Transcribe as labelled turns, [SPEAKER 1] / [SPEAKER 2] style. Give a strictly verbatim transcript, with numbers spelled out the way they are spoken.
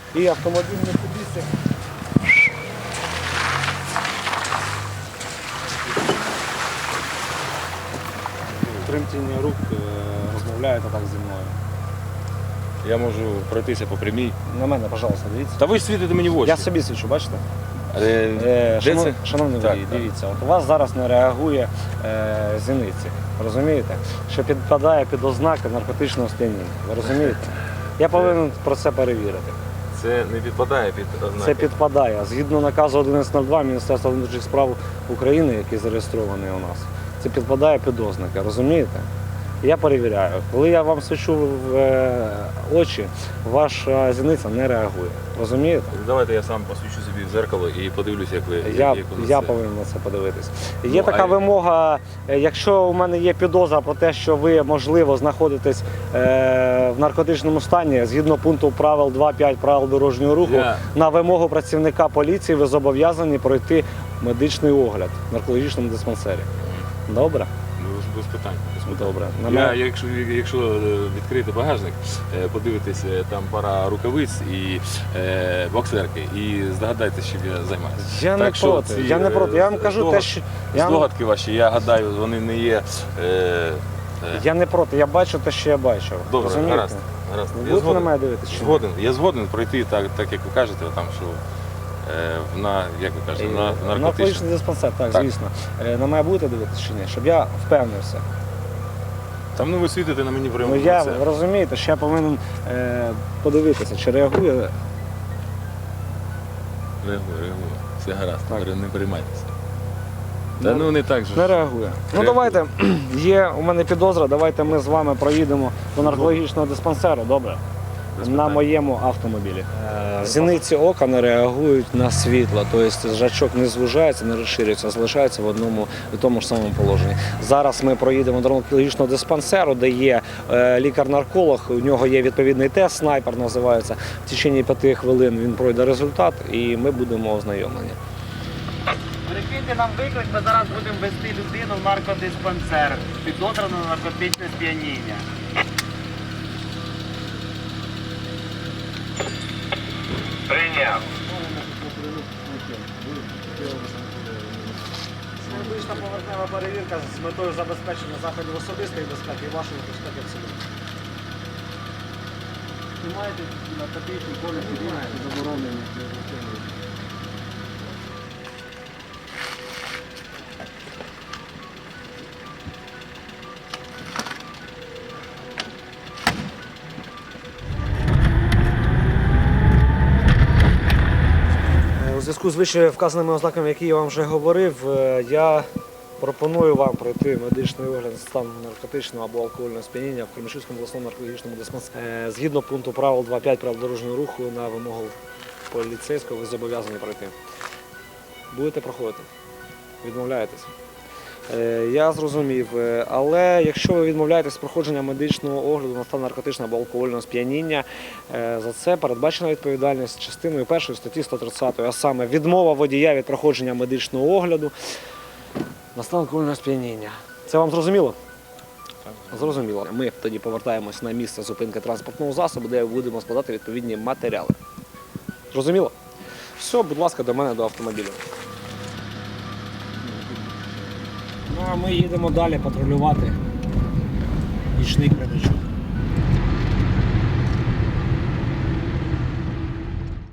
[SPEAKER 1] І автомобіль Mitsubishi. Тремтіння рук, розмовляєте так зі мною.
[SPEAKER 2] Я можу пройтися по прямій.
[SPEAKER 1] На мене, пожалуйста, дивіться.
[SPEAKER 2] Та ви ж світите мені в очі.
[SPEAKER 1] Я собі свічу, бачите?
[SPEAKER 2] Е,
[SPEAKER 1] Е,
[SPEAKER 2] де
[SPEAKER 1] шанов...
[SPEAKER 2] це?
[SPEAKER 1] Шановний
[SPEAKER 2] Так,
[SPEAKER 1] водій,
[SPEAKER 2] так.
[SPEAKER 1] дивіться, от у вас зараз не реагує е, зіниці, розумієте? Що підпадає під ознаки наркотичного сп'яніння, ви розумієте? Я повинен про це перевірити.
[SPEAKER 2] Це не підпадає під ознаки.
[SPEAKER 1] Це підпадає. Згідно наказу одинадцять нуль два Міністерства внутрішніх справ України, який зареєстрований у нас, це підпадає під ознаки, розумієте? Я перевіряю. Коли я вам свічу в е, очі, ваша зіниця не реагує. Розумієте?
[SPEAKER 2] Давайте я сам посвічу собі в зеркало і подивлюся, як ви
[SPEAKER 1] Я,
[SPEAKER 2] як ви
[SPEAKER 1] я
[SPEAKER 2] це.
[SPEAKER 1] повинен на це подивитись.
[SPEAKER 2] Ну,
[SPEAKER 1] Є така
[SPEAKER 2] а-
[SPEAKER 1] вимога, е, якщо у мене є підозра про те, що ви, можливо, знаходитесь е, в наркотичному стані, згідно пункту правил два п'ять правил дорожнього руху,
[SPEAKER 2] Я-
[SPEAKER 1] на вимогу працівника поліції ви зобов'язані пройти медичний огляд в наркологічному диспансері. Добре?
[SPEAKER 2] Ну, без питань. Без питань.
[SPEAKER 1] Добре. На
[SPEAKER 2] Я,
[SPEAKER 1] мене-
[SPEAKER 2] якщо, якщо е, відкрити багажник, е, подивитись, е, там пара рукавиць і е, боксерки, і здогадайтесь, чим я займаюся.
[SPEAKER 1] Я не
[SPEAKER 2] Так що
[SPEAKER 1] проти.
[SPEAKER 2] ці,
[SPEAKER 1] Я не проти. Я вам
[SPEAKER 2] е,
[SPEAKER 1] кажу те,
[SPEAKER 2] здогад-
[SPEAKER 1] що я, вам-
[SPEAKER 2] Здогадки ваші, я гадаю, вони не є. Е, е,
[SPEAKER 1] я не проти. Я бачу те, що я бачу.
[SPEAKER 2] Добре,
[SPEAKER 1] Розумієте?
[SPEAKER 2] гаразд. гаразд.
[SPEAKER 1] Ви
[SPEAKER 2] Я
[SPEAKER 1] будете на
[SPEAKER 2] згоден.
[SPEAKER 1] мене дивитися? чи ні?
[SPEAKER 2] Згоден. Я згоден пройти так, так як ви кажете, там, що е, на, як ви кажете, на наркотичний.
[SPEAKER 1] Наркотичний диспансер, так,
[SPEAKER 2] Так.
[SPEAKER 1] звісно. Е, На мене будете дивитися чи ні? Щоб я впевнився.
[SPEAKER 2] Там ну ви світите на мені прямо
[SPEAKER 1] Ну
[SPEAKER 2] в
[SPEAKER 1] я,
[SPEAKER 2] лице.
[SPEAKER 1] ви розумієте, що я повинен е, подивитися, чи реагує.
[SPEAKER 2] Реагую, реагую. Все гаразд,
[SPEAKER 1] Так.
[SPEAKER 2] не переймайтеся.
[SPEAKER 1] Ну,
[SPEAKER 2] Та ну не так же.
[SPEAKER 1] Не реагує. Ну
[SPEAKER 2] Реагує.
[SPEAKER 1] давайте, є у мене підозра, давайте ми з вами проїдемо до наркологічного диспансеру, добре?
[SPEAKER 2] Без
[SPEAKER 1] На
[SPEAKER 2] питань.
[SPEAKER 1] моєму автомобілі. Зіниці ока не реагують на світло, тобто зрачок не звужається, не розширюється, а залишається в одному і тому ж самому положенні. Зараз ми проїдемо до наркологічного диспансеру, де є е, лікар-нарколог, у нього є відповідний тест, снайпер називається. В течение п'яти хвилин він пройде результат і ми будемо ознайомлені.
[SPEAKER 3] Перекиньте нам виклик, ми зараз будемо вести людину в наркодиспансер, підозрювану на наркотичне сп'яніння. Прийняв.
[SPEAKER 1] Медична поверхнева перевірка з метою забезпечення заходів особистої безпеки і вашої безпеки в цілому. Знімаєте наркотичні полі заборонені. У зв'язку з вище вказаними ознаками, які я вам вже говорив, е, я пропоную вам пройти медичний огляд на стан наркотичного або алкогольного сп'яніння в Кременчуцькому обласному наркологічному диспансері. Е, Згідно пункту правил два п'ять правил дорожнього руху на вимогу поліцейського ви зобов'язані пройти. Будете проходити? Відмовляєтесь? Е, Я зрозумів, е, але якщо ви відмовляєтесь з проходження медичного огляду на стан наркотичного або алкогольного сп'яніння, е, за це передбачена відповідальність частиною першої статті сто тридцять, а саме відмова водія від проходження медичного огляду на стан алкогольного сп'яніння. Це вам зрозуміло? Зрозуміло. Ми тоді повертаємось на місце зупинки транспортного засобу, де будемо складати відповідні матеріали. Зрозуміло? Все, будь ласка, до мене, до автомобіля. Ну а ми їдемо далі патрулювати нічний Кременчук.